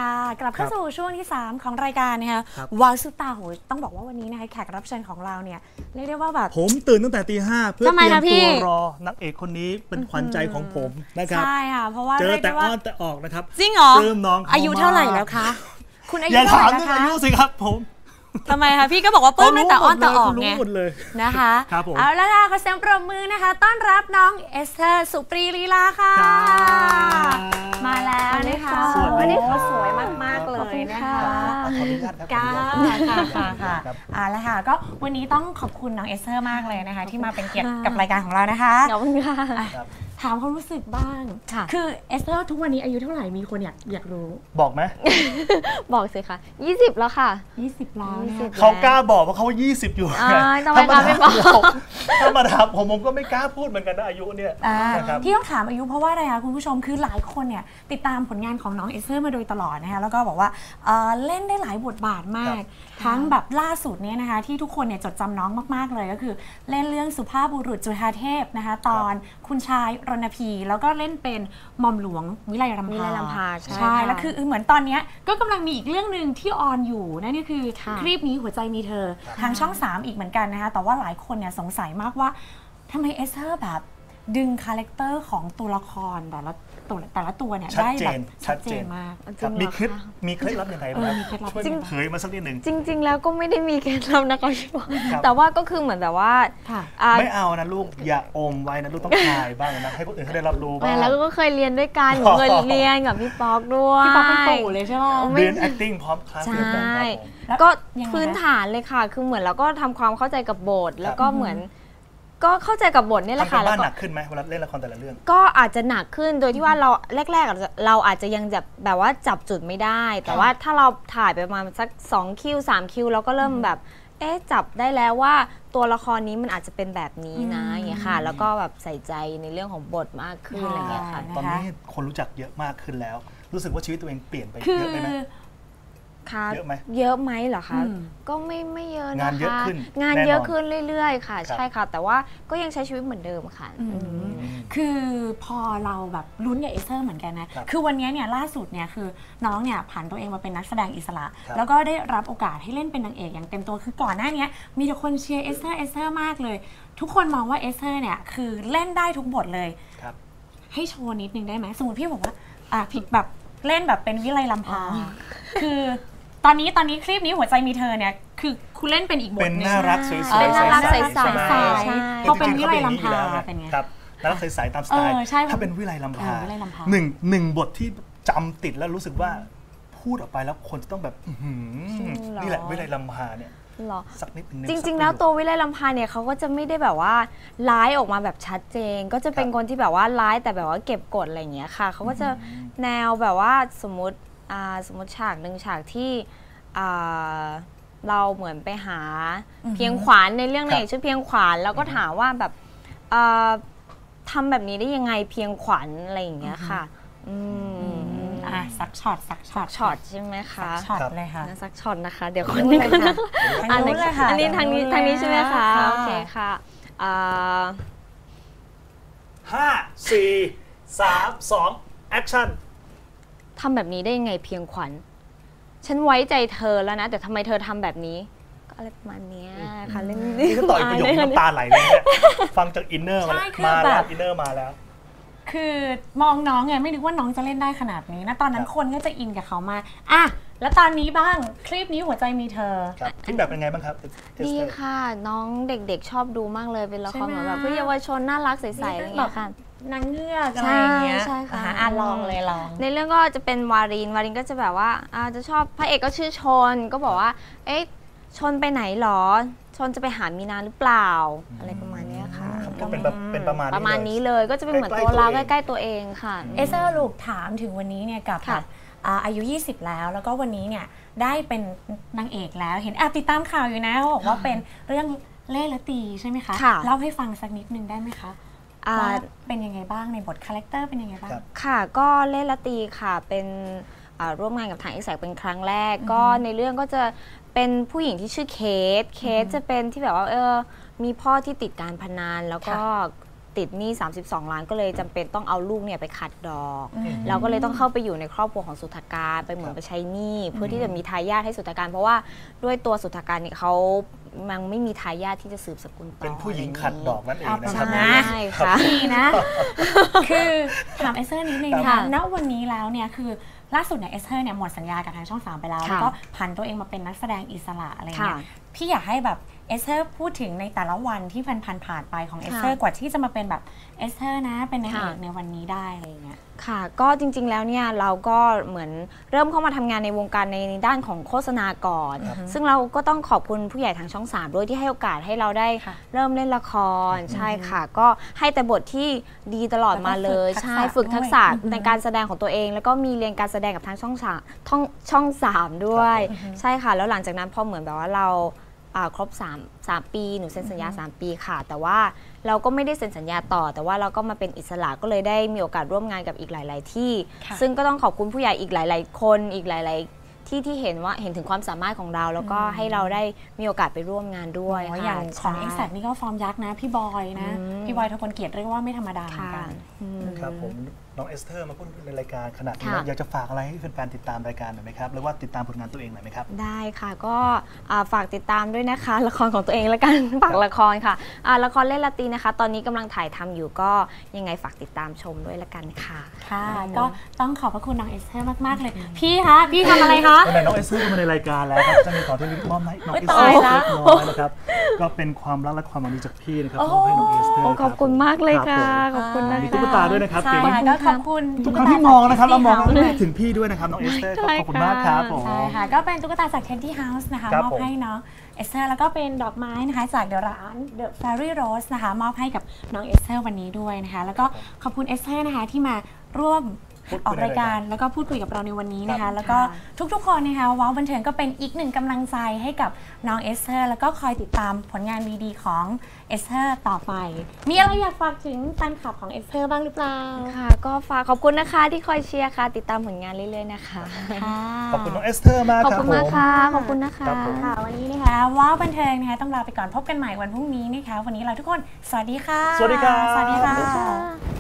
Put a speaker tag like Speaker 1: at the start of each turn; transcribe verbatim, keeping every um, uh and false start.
Speaker 1: ค่ะกลับเข้าสู่ช่วงที่สามของรายการนะคะวาวซุปตาโหต้องบอกว่าวันนี้นะคะแขกรับเชิญของเราเนี่ยเรียกได้ว่าแบบ
Speaker 2: ผมตื่นตั้งแต่ตีห้าเพื่อเตรียมตัวรอนักเอกคนนี้เป็นขวัญใจของผมนะครับ
Speaker 1: ใช่ค่ะเพราะว่า
Speaker 2: เจอแต่อ้อนแต่ออกนะครับ
Speaker 1: จริงเหรอ
Speaker 2: เริ่มน้อง
Speaker 1: อายุเท่าไหร่แล้วคะคุณอายุ
Speaker 2: เท่าไหร่
Speaker 1: แล้วคะ
Speaker 2: อย่าถามเรื่องอายุสิครับผม
Speaker 1: ทำไมคะพี่ก็บอกว่าปื้มตั้งแต่อ้อนแต่ออกไงนะคะเอาแล้วค่ะขอเสียงปรบมือนะคะต้อนรับน้องเอสเธอร์สุปรีลีลาค่ะมาแล้วนะคะวันนี้เขาสวยมากๆเลยนะคะ
Speaker 2: ขออนุญาตครับ
Speaker 1: ค่ะค่ะค่ะอ่าแล้วค่ะก็วันนี้ต้องขอบคุณน้องเอสเธอร์มากเลยนะคะที่มาเป็นเกียรติกับรายการของเรานะคะ
Speaker 3: ขอบคุณค่ะ
Speaker 1: ถามความรู้สึกบ้างคือเอสเธอร์ทุกวันนี้อายุเท่าไหร่มีคนอยากอยากรู้
Speaker 2: บอกไหม
Speaker 3: บอกสิค่ะยี่สิบแล้วค่ะ
Speaker 1: ยี่สิบแล้ว
Speaker 2: เขากล้าบอกว่าเขายี่สิบอยู่
Speaker 3: ทำไมคะไม่บอก
Speaker 2: ถ้ามาถามผมผมก็ไม่กล้าพูดเหมือนกันนะอายุเนี่ย
Speaker 1: ที่ต้องถามอายุเพราะว่าอะไรคะคุณผู้ชมคือหลายคนเนี่ยติดตามผลงานของน้องเอสเธอร์มาโดยตลอดนะคะแล้วก็บอกว่าเล่นได้หลายบทบาทมากทั้งแบบล่าสุดเนี่ยนะคะที่ทุกคนเนี่ยจดจำน้องมากๆเลยก็คือเล่นเรื่องสุภาพบุรุษจุฑาเทพนะคะตอนคุณชายรณพีแล้วก็เล่นเป็นหม่อมหลวงวิไลรำพาใช่แล้วคือเหมือนตอนนี้ก็กำลังมีอีกเรื่องหนึ่งที่ออนอยู่นั่นก็คือคลิปนี้หัวใจมีเธอทางช่องสามอีกเหมือนกันนะคะแต่ว่าหลายคนเนี่ยสงสัยมากว่าทำไมเอสเธอร์แบบดึงคาแรคเตอร์ของตัวละครแต่ละตัวแต่ละตัวเนี่ยได้แบบชัดเจนมาก
Speaker 2: มีเคล็ดมีเคล็ดลับยังไงบ้างช่วยเผยมาสักนิดหนึ่ง
Speaker 3: จริงๆแล้วก็ไม่ได้มีเคล็ดลับนะคะพี่บอกแต่ว่าก็คือเหมือนแบบว่า
Speaker 2: ไม่เอานะลูกอย่าอมไว้นะลูกต้องถ่ายบ้างนะให้คนอื่นเขาได้รับรู้บ้าง
Speaker 3: แล้วก็เคยเรียนด้วยกันเคยเรียนกับพี่ป๊อกด้วย
Speaker 1: พี่ป๊อกเป็นปู่เลยใช่ไหม
Speaker 2: เรียน acting พร้อมคลาส
Speaker 3: ใช่ก็พื้นฐานเลยค่ะคือเหมือนเราก็ทำความเข้าใจกับบทแล้วก็เหมือนก็เข้าใจกับบทนี่แหละค่ะ
Speaker 2: แล้วก็หนักขึ้นไหมเวลาเล่นละครแต่ละเรื่อง
Speaker 3: ก็อาจจะหนักขึ้นโดยที่ว่าเราแรกๆเราอาจจะยังแบบแบบว่าจับจุดไม่ได้แต่ว่าถ้าเราถ่ายไปประมาณสักสองคิวสามคิวเราก็เริ่มแบบเอ๊ะจับได้แล้วว่าตัวละครนี้มันอาจจะเป็นแบบนี้นะอย่างเงี้ยค่ะแล้วก็แบบใส่ใจในเรื่องของบทมากขึ้นอะไรเงี้ยค่ะ
Speaker 2: ตอนนี้คนรู้จักเยอะมากขึ้นแล้วรู้สึกว่าชีวิตตัวเองเปลี่ยนไปเยอะไหม
Speaker 3: เยอะไหมเยอะไหมเหรอคะก็ไม่ไม่เยอะนะคะงานเยอะขึ้นงานเยอะขึ้นเรื่อยๆค่ะใช่ค่ะแต่ว่าก็ยังใช้ชีวิตเหมือนเดิมค่ะ
Speaker 1: คือพอเราแบบลุ้นกับเอสเธอร์เหมือนกันนะคือวันนี้เนี่ยล่าสุดเนี่ยคือน้องเนี่ยผ่านตัวเองมาเป็นนักแสดงอิสระแล้วก็ได้รับโอกาสให้เล่นเป็นนางเอกอย่างเต็มตัวคือก่อนหน้านี้มีแต่คนเชียร์เอสเธอร์เอสเธอร์มากเลยทุกคนมองว่าเอสเธอร์เนี่ยคือเล่นได้ทุกบทเลยให้โชว์นิดนึงได้ไหมสมมติพี่บอกว่าอ่ะผิดแบบเล่นแบบเป็นวิไลลำพาคือตอนนี้ตอนนี้คลิปนี้หัวใจมีเธอเนี่ยคือคุณเล่นเป็นอีกบทนึง
Speaker 2: เป็นน่ารักสวยๆ
Speaker 3: เป็นน่ารักใส
Speaker 1: ๆพอเป็นวิไลลำพาเป็นไง
Speaker 2: ครับน่ารักใสๆตามสไตล์ถ้าเป็นวิไลลำพาหนึ่งหนึ่งบทที่จำติดแล้วรู้สึกว่าพูดออกไปแล้วคนจะต้องแบบนี่แหละวิไลลำพาเนี่ยสักนิดนึง
Speaker 3: จริงๆแล้วตัววิไลลำพาเนี่ยเขาก็จะไม่ได้แบบว่าร้ายออกมาแบบชัดเจนก็จะเป็นคนที่แบบว่าร้ายแต่แบบว่าเก็บกดอะไรอย่างเงี้ยค่ะเขาก็จะแนวแบบว่าสมมติสมมติฉากหนึ่งฉากที่เราเหมือนไปหาเพียงขวานในเรื่องในชื่อเพียงขวานแล้วก็ถามว่าแบบทำแบบนี้ได้ยังไงเพียงขวานอะไรอย่างเงี้ยค่ะ
Speaker 1: อ่ะสักช็อตสักช็อต
Speaker 3: ช็อตใช่ไหมคะ
Speaker 1: ช็อตเลยค่ะ
Speaker 3: สักช็อตนะคะเดี๋ยวคนนี้ก็นะอันนี้อันนี้ทางนี้ทางนี้ใช่ไหมคะโอเคค่ะ
Speaker 2: ห้าสี่สามสองแอคชั่น
Speaker 3: ทำแบบนี้ได้ยังไงเพียงขวัญฉันไว้ใจเธอแล้วนะแต่ทำไมเธอทำแบบนี้ก็อะไรประมาณนี้ค่ะเรื่อง
Speaker 2: นี้ก็ต่อยประโยคน้ำตาไหลเลยเนี่ยฟังจากอินเนอร์มาแล้วอินเนอร์มาแล้ว
Speaker 1: คือมองน้องไงไม่นึกว่าน้องจะเล่นได้ขนาดนี้นะตอนนั้นคนก็จะอินกับเขามาอ่ะแล้วตอนนี้บ้างคลิปนี้หัวใจมีเธอ
Speaker 2: คลิปแบบเป็นไงบ้างครับ
Speaker 3: ดีค่ะน้องเด็กๆชอบดูมากเลยเป็นละครเหมือนแบบเพื่อเยาวชนน่ารักใสๆอะไรอย่างเงี้ยค่ะ
Speaker 1: นางเงือกอะไรอย่างเงี้ย
Speaker 3: ใช่ค่ะ
Speaker 1: อ่ะลองเลยลอง
Speaker 3: ในเรื่องก็จะเป็นวารินวารินก็จะแบบว่าอาจะชอบพระเอกก็ชื่อชนก็บอกว่าเอ๊ะชนไปไหนหรอชนจะไปหามีนาหรือเปล่าอะไรประมาณนี้ค่ะ
Speaker 2: ก็เป็นแบบเป็นประมาณ
Speaker 3: ประมาณนี้เลยก็จะเป็นเหมือนตัวเราใกล้ๆตัวเองค่ะ
Speaker 1: เอเซอร์ลูกถามถึงวันนี้เนี่ยกับอายุยี่สิบแล้วแล้วก็วันนี้เนี่ยได้เป็นนางเอกแล้วเห็นแอบติดตามข่าวอยู่นะเขาบอกว่าเป็นเรื่องเล่ห์และตีใช่ไหมคะเล่าให้ฟังสักนิดนึงได้ไหมคะว่าเป็นยังไงบ้างในบทคาแรคเตอร์เป็นยังไงบ้าง
Speaker 3: ค่ะก็เล่ห์และตีค่ะเป็นร่วมงานกับทางอีแซกเป็นครั้งแรกก็ในเรื่องก็จะเป็นผู้หญิงที่ชื่อเคทเคทจะเป็นที่แบบว่าเออมีพ่อที่ติดการพนันแล้วก็ติดหนี้สามสิบสองล้านก็เลยจำเป็นต้องเอาลูกเนี่ยไปขัดดอกเราก็เลยต้องเข้าไปอยู่ในครอบครัวของสุทธการไปเหมือนไปใช้หนี้เพื่อที่จะมีทายาทให้สุทธการเพราะว่าด้วยตัวสุทธการเนี่ยเขามันไม่มีทายาทที่จะสืบสกุลต่อ
Speaker 2: เป็นผู้หญิงขัดดอกนั่นเองนะครั
Speaker 3: บใช่ค่ะ
Speaker 1: ดีนะคือถามเอสเธอร์นิดนึงนะคะณวันนี้แล้วเนี่ยคือล่าสุดเนี่ยเอสเธอร์เนี่ยหมดสัญญากับทางช่องสามไปแล้วแล้วก็ผันตัวเองมาเป็นนักแสดงอิสระอะไรเงี้ยพี่อยากให้แบบเอสเธอร์พูดถึงในแต่ละวันที่ผ่านผ่านไปของเอสเธอร์กว่าที่จะมาเป็นแบบเอสเธอร์นะเป็นนางเอกในวันนี้ได้อะไรเงี้ย
Speaker 3: ค่ะก็จริงๆแล้วเนี่ยเราก็เหมือนเริ่มเข้ามาทำงานในวงการในด้านของโฆษณาก่อนซึ่งเราก็ต้องขอบคุณผู้ใหญ่ทางช่องสามด้วยที่ให้โอกาสให้เราได้เริ่มเล่นละครใช่ค่ะก็ให้แต่บทที่ดีตลอดมาเลยใช่ฝึกทักษะในการแสดงของตัวเองแล้วก็มีเรียนการแสดงกับทางช่องสามช่องสามด้วยใช่ค่ะแล้วหลังจากนั้นพอเหมือนแบบว่าเราครบ3 3ปีหนูเซ็นสัญญาสามปีค่ะแต่ว่าเราก็ไม่ได้เซ็นสัญญาต่อแต่ว่าเราก็มาเป็นอิสระก็เลยได้มีโอกาสร่วมงานกับอีกหลาย ๆ ที่ซึ่งก็ต้องขอบคุณผู้ใหญ่อีกหลาย ๆ คนอีกหลาย ๆ ที่ที่เห็นว่าเห็นถึงความสามารถของเราแล้วก็ให้เราได้มีโอกาสไปร่วมงานด้วย
Speaker 1: อย่างของ Exact นี่ก็ฟอร์มยักษ์นะพี่บอยนะพี่บอยทพลเกียรติเรียกว่าไม่ธรรมดาเหมือนกัน
Speaker 2: ครับผมน้องเอสเธอร์มาพูดในรายการขนาดนี้อยากจะฝากอะไรให้แฟนๆติดตามรายการหน่อยไหมครับหรือว่าติดตามผลงานตัวเองหน่อยไหมครับ
Speaker 3: ได้ค่ะก็ฝากติดตามด้วยนะคะละครของตัวเองแล้วกันฝากละครค่ะละครเล่นละตีนะคะตอนนี้กำลังถ่ายทำอยู่ก็ยังไงฝากติดตามชมด้วยละกันค่ะ
Speaker 1: ค่ะก็ต้องขอบพระคุณน้องเอสเธอร์มากๆเลยพี่คะพี่ทำอะไรคะ
Speaker 2: วันไหนน้องเอสเธอร์มาในรายการแล้วครับจะมีของที่ลิมอบให้น้องเอสเธอร์เล็กน้อยนะครับก็เป็นความรักและความหวังดีจากพี่นะครับมอบให้น้องเอสเธอร์
Speaker 3: ขอบคุณมากเลยค่ะขอบคุณนะคะ
Speaker 2: มีตุ๊กตาด้วยนะครับ
Speaker 1: ใช่ก็ขอบคุณ
Speaker 2: ทุกครั้งที่มองนะครับเรามองถึงพี่ด้วยนะครับน้องเอสเธอร์ขอบคุณมากครับผม
Speaker 1: ใช่ค่ะก็เป็นตุ๊กตาจาก Candy House นะคะมอบให้น้องเอสเธอร์แล้วก็เป็นดอกไม้นะคะจากเดอะร้าน The Fairy Rose นะคะมอบให้กับน้องเอสเธอร์วันนี้ด้วยนะคะแล้วก็ขอบคุณเอสเธอร์นะคะที่มาร่วมออกรายการแล้วก็พูดคุยกับเราในวันนี้นะคะแล้วก็ทุกๆคนนะคะว้าวบันเทิงก็เป็นอีกหนึ่งกำลังใจให้กับน้องเอสเธอร์แล้วก็คอยติดตามผลงานดีๆของเอสเธอร์ต่อไปมีอะไรอยากฝากถึงแฟนคลับของเอสเธอร์บ้างหรือเปล่า
Speaker 3: ค่ะก็ฝากขอบคุณนะคะที่คอยเชียร์ค่ะติดตามผลงานเรื่อยๆนะคะ
Speaker 2: ขอบคุณน้องเอสเธอร์มากครับ
Speaker 3: ขอบคุณมากค่ะขอบคุณนะคะ
Speaker 1: ค่ะวันนี้นะคะว้าวบันเทิงนะคะต้องลาไปก่อนพบกันใหม่วันพรุ่งนี้นะคะวันนี้เราทุกคนสวัสดีค่ะ
Speaker 2: สวัสดีค่ะ
Speaker 1: สวัสดีค่ะ